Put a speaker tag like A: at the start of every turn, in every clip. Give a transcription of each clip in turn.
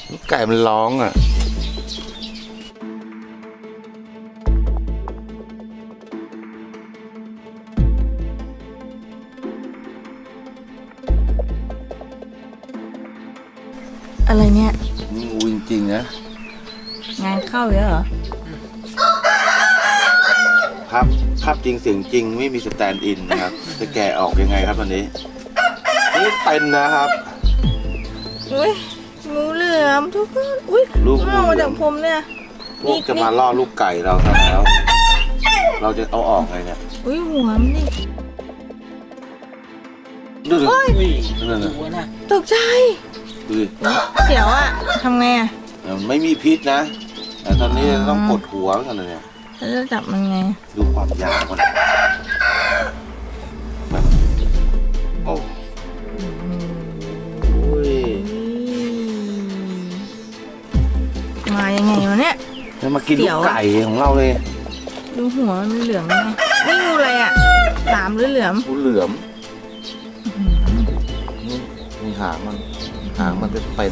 A: ไก่มันร้องอ่ะ
B: อะไรเนี่ย
A: นี่งูจริงๆนะ
B: งานเข้าเยอะเหรอ
A: ภาพจริงเสียงจริงไม่มีสแตนด์อินนะครับจะแกะออกยังไงครับตอนนี้นี่เป็นนะครับ
B: อุ้ยงูเหลือมทุกคนอุ้ย
A: ลูกงู
B: เอา
A: เหลือม
B: มาจากผมเนี่ย
A: พวกจะมาล่อลูกไก่เราซะแล้ว เราจะเอาออกไงเนี่ย
B: อุ้ยหัวมันนี่
A: ดูดิ
C: อุ้ย
A: นั่นน่ะ
C: หัวน่ะ
B: ตกใจ
A: ดูดิ
B: เสียวอะทำไงอะ
A: มันไม่มีพิษนะ แต่ตอนนี้ต้องกดหัวกันเลยเนี่ย
B: แล้วจะจับมันไง
A: ดูความยาวมันโอ้ย
B: มายังไงวะเนี่ย
A: จะมากินลูกไก่ของเราเลย
B: ดูหัวมันเหลืองไงนี่งูอะไรอะหลามหรือเหลือม
A: งูเหลือมนี่หางมันเป็น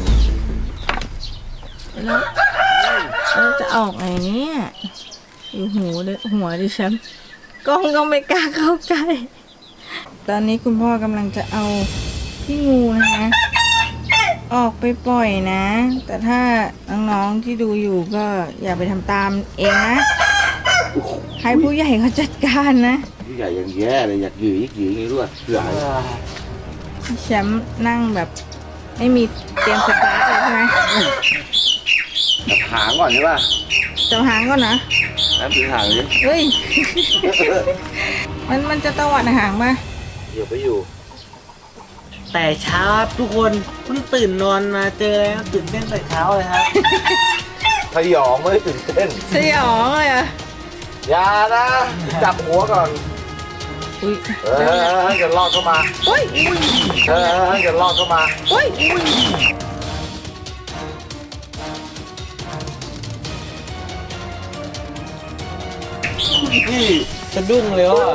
B: แล้วจะออกไงเนี่ยดูหัวดิฉันกล้องก็ไม่กล้าเข้าใกล้ตอนนี้คุณพ่อกำลังจะเอาพี่งูนะคะออกไปปล่อยนะ แต่ถ้าน้องๆที่ดูอยู่ก็อย่าไปทำตามเองนะให้ผู้ใหญ่เขาจัดการนะ
A: ผู้ใหญ่ยังแย่เลยอยากหยืออย่างนี้ด้วยเสือ
B: แชมป์นั่งแบบไม่มีเตรียมสตาร์ทเลยใช่ไหม
A: จับหางก่อนใช่ป่ะ
B: จะหางก่อนนะ
A: น้ำถือหางดิ
B: เฮ้ย มันจะตวัดหางมา
A: เดี๋ยวไปอยู่
C: แต่เช้าครับทุกคนเพิ่งตื่นนอนมาเจอแล้วตื่นเต้นแต่เช้าเลยครับ
A: พยองไม่ได้ตื่นเต้น
B: สยองเลยอ่ะ
A: อย่านะจับหัวก่อน
B: อุ้ย
A: อย่าลอดเข้ามา
B: อุ้ย
A: อย่าลอดเข้ามา
B: อุ้ย
A: นี่
C: สะดุ้งเลยว่า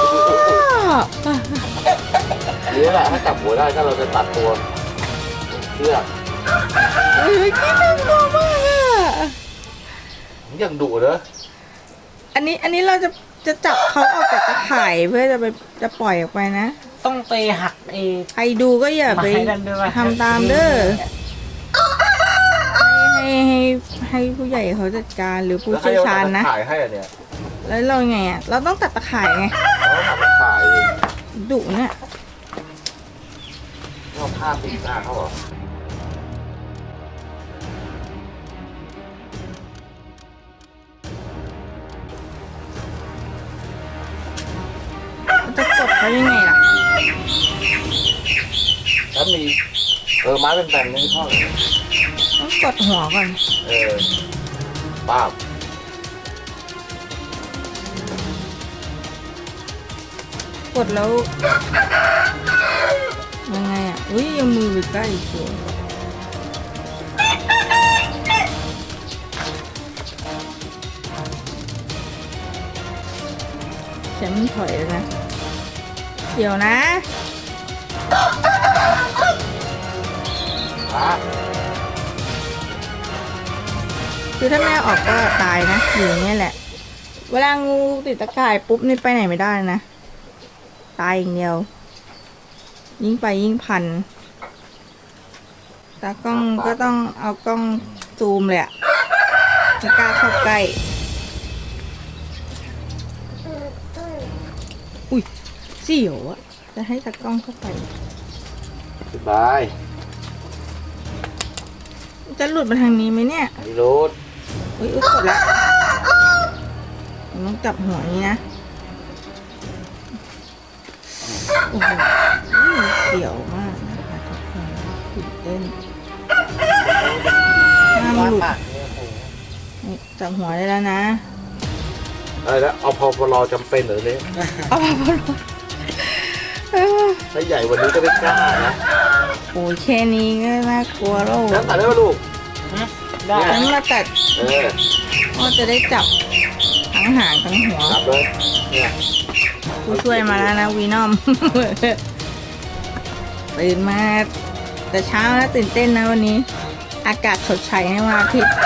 A: นี่แหละถ้าจับหัวได้ถ้าเราจะตัดตัวเชือก
B: เฮ้ยกินน่ากลัวมากอ่ะ
A: ยังดุเนอะ
B: อันนี้เราจะจับเขาออกจากตะข่ายเพื่อจะปล่อยออกไปนะ
C: ต้องไปหัก
B: ใครดูก็อย่าไป
C: ไม้นั่นด้วยว่ะ
B: ทำตามเด้อให้ผู้ใหญ่เขาจัดการหรือผู้
A: แล้วใคร
B: เชี่ยว
A: จะ
B: ชาญนะ
A: ถ่ายให้อะเนี่ย
B: แล้วเราไงอ่ะ เราต้องตัดตะข่ายไง
A: เราทำถ่าย
B: ดุเนี่ย
A: เราภาพติดหน้าเขาเหรอ
B: จะกดเขายังไงล่ะ
A: แล้วมีไม้เป็นแบนๆนี่พ่อเลย
B: ต้องกดหัวก่อน
A: ป้าบ
B: กดแล้วยังไงอ่ะ อุ้ยยังมือไปใกล้อีกตัวฉันถอยแล้วนะเดี๋ยวนะ คือถ้าแม่ออกก็ตายนะอยู่อย่างเงี้ยแหละ เวลางูติดตะข่ายปุ๊บนี่ไปไหนไม่ได้นะ ตายอย่างเดียว ยิ่งไปยิ่งพันตากล้องก็ต้องเอากล้องซูมเลยอะไม่กล้าเข้าใกล้ อุ้ยเสียวอะจะให้ตากล้องเข้าไป
A: สบาย
B: จะหลุดมาทางนี้ไหมเนี่ย
A: ไอ้รูด
B: อุ้ยกดละต้องจับหัวนี้นะ โอ้โหเสียวมากนะคะทุกคนตื่นเต้นห้ามหลุดนี่จับหัวได้แล้วนะ
A: อะไรนะเอาพอรอจำเป็นเหรอเนี่ย
B: เอาพอลง
A: ถ้าใหญ่วันนี้ก็ไม่กล้านะ
B: โอ้ยแค่นี้ก็น่ากลัวแล้ว
A: แล้วตัดได้ไหมลูก
C: ได้
B: ฉันมาตัด
A: อ
B: ก็จะได้จับทั้งหางทั้งหัว
A: จับเลยเนี่ย
B: ผู้ช่วยมาแล้วนะวีนอม ตื่นมาแต่เช้านะตื่นเต้นนะวันนี้อากาศสดใสในวันอาทิตย์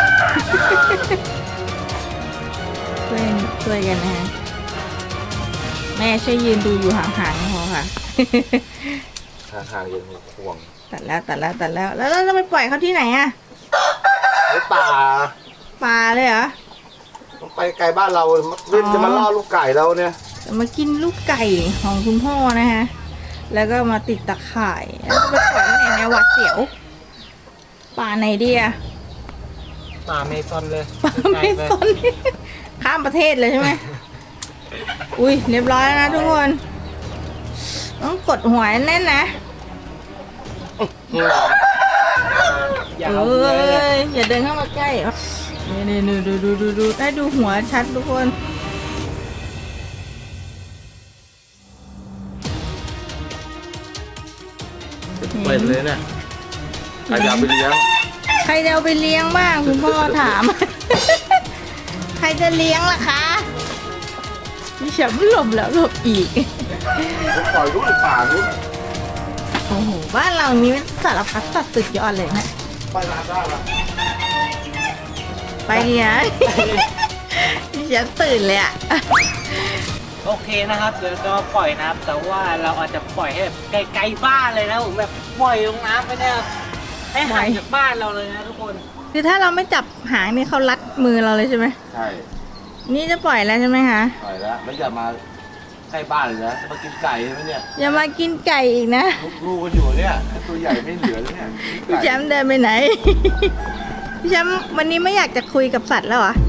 B: ช่วยกันนะฮะแม่ช่วยยืนดูอยู่ห่างๆพอค่ะ
A: ห่างๆยังมีควง
B: ตัดแล้วแล้วเราจะไปปล่อยเขาที่ไหนอะ
A: ในป่า
B: ปลาเลยเหรอ
A: ต้องไปไกลบ้านเราวิ่งจะมาล่อลูกไก่เราเนี่ย
B: จะมากินลูกไก่ของคุณพ่อนะฮะแล้วก็มาติดตะข่ายแล้วจะไปปล่อยที่ไหนในยหวัดเสียวป่าไหนดีอะ
C: ป่าเมซอนเลย
B: ป่าไม่สน ข้ามประเทศเลยใช่ไหม อุ้ยเรียบร้อยแล้วนะทุกคน ต้องกดหัวแน่นนะ
C: อย่า
B: เอ
C: เอาเนื้อเลย
B: ยอย่าเดินเข้ามาใกล้นี่ดูได้ดูหัวชัดทุกคน
A: เป็นเลยเนี่ยใครจะเอาไปเลี้ยง
B: ใครจะเอาไปเลี้ยงบ้างคุณพ่อถาม ใครจะเลี้ยงล่ะคะดิฉันหลบแล้วหลบอีก
A: ผมปล่อยลูกในป่าลูก
B: โอ้โหบ้านเรานี้มันสารพัดสัตว์สุดยอดเลยนะ
A: ไปร้านได้ละ
B: ไปเนี่ย ดิฉันตื่นเลยอะ
C: โอเคนะครับเดี๋ยวจะมาปล่อยนะครับแต่ว่าเราอาจจะปล่อยให้แบบไกลๆบ้านเลยนะผมแบบปล่อยลงน้ำไปเนี่ยให้ห่างจากบ้านเราเลยนะทุกคน
B: คือถ้าเราไม่จับหางนี่เขารัดมือเราเลยใช่ไหม
A: ใช่
B: นี่จะปล่อยแล้วใช่ไหมคะ
A: ปล่อยแล้วแล้วอย่ามาใกล้บ้านเลยนะจะมากินไก่ใช่ไหมเนี่ย
B: อย่ามากินไก่อีกนะ
A: ลูกๆกันอยู่เนี่ยตัวใหญ่ไม่เหลือแล้วเนี่ย
B: พี่แชมป์เดินไปไหน พี่แชมป์วันนี้ไม่อยากจะคุยกับสัตว์แล้วเหรอ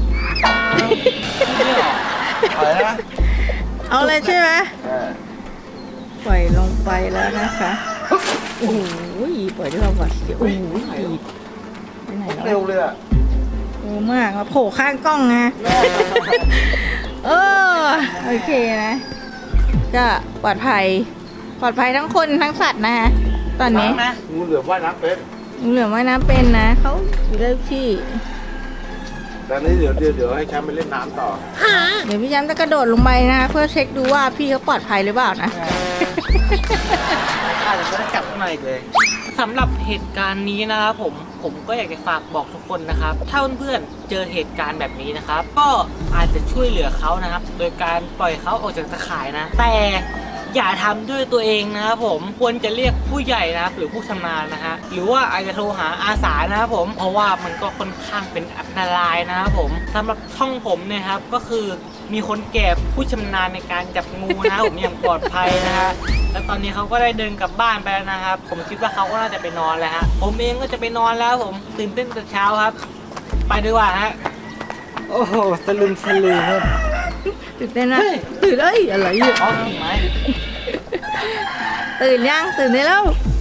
A: อะไรนะ
B: เอาเลยใช่ไหม ปล่อยลงไปแล้วนะคะ โอ้โหปล่อยด้วยความหวาดเสียวโอ้โหดีดไปไหนแล้ว
A: เร็วเลยอ่ะ
B: เร็วมากมาโผล่ข้างกล้องนะเออโอเคนะ ก็ปลอดภัยทั้งคนทั้งสัตว์นะคะตอนนี้
C: นะ
A: งูเหลือมว่ายน้ำเป็น
B: เหลือไว้นะเป็นนะเขาอยู่ได้ทุกที่
A: แต่นี้เดี๋ยวให้แชมป์ไปเล่นน้ำต่อ
B: เดี๋ยวพี่แชมป์จะกระโดดลงไปนะคะเพื่อเช็คดูว่าพี่เขาปลอดภัยหรือเปล่านะ
C: อาจจะไม่ได้กลับมาอีกเลยสำหรับเหตุการณ์นี้นะครับผมก็อยากจะฝากบอกทุกคนนะครับถ้าเพื่อนๆเจอเหตุการณ์แบบนี้นะครับ ก็อาจจะช่วยเหลือเขานะครับ โดยการปล่อยเขาออกจากตะข่ายนะ แต่อย่าทำด้วยตัวเองนะครับผมควรจะเรียกผู้ใหญ่นะครับหรือผู้ชำนาญนะฮะหรือว่าอาจจะโทรหาอาสานะครับผมเพราะว่ามันก็ค่อนข้างเป็นอันตรายนะครับผมสำหรับช่องผมเนี่ยครับก็คือมีคนแก่ผู้ชำนาญในการจับงูนะครับผมอย่างปลอดภัยนะฮะแล้วตอนนี้เขาก็ได้เดินกลับบ้านไปแล้วนะครับผมคิดว่าเขาก็น่าจะไปนอนแล้วฮะผมเองก็จะไปนอนแล้วผมตื่นเต้นแต่เช้าครับ ไปดีกว่าฮะโอ้โหสลึมครับ
B: ตื่นเต้นนะตื่นอะไรอ่ะ
C: อ๋อกิ่งไม้
B: ตื่นยังตื่นได้แล้ว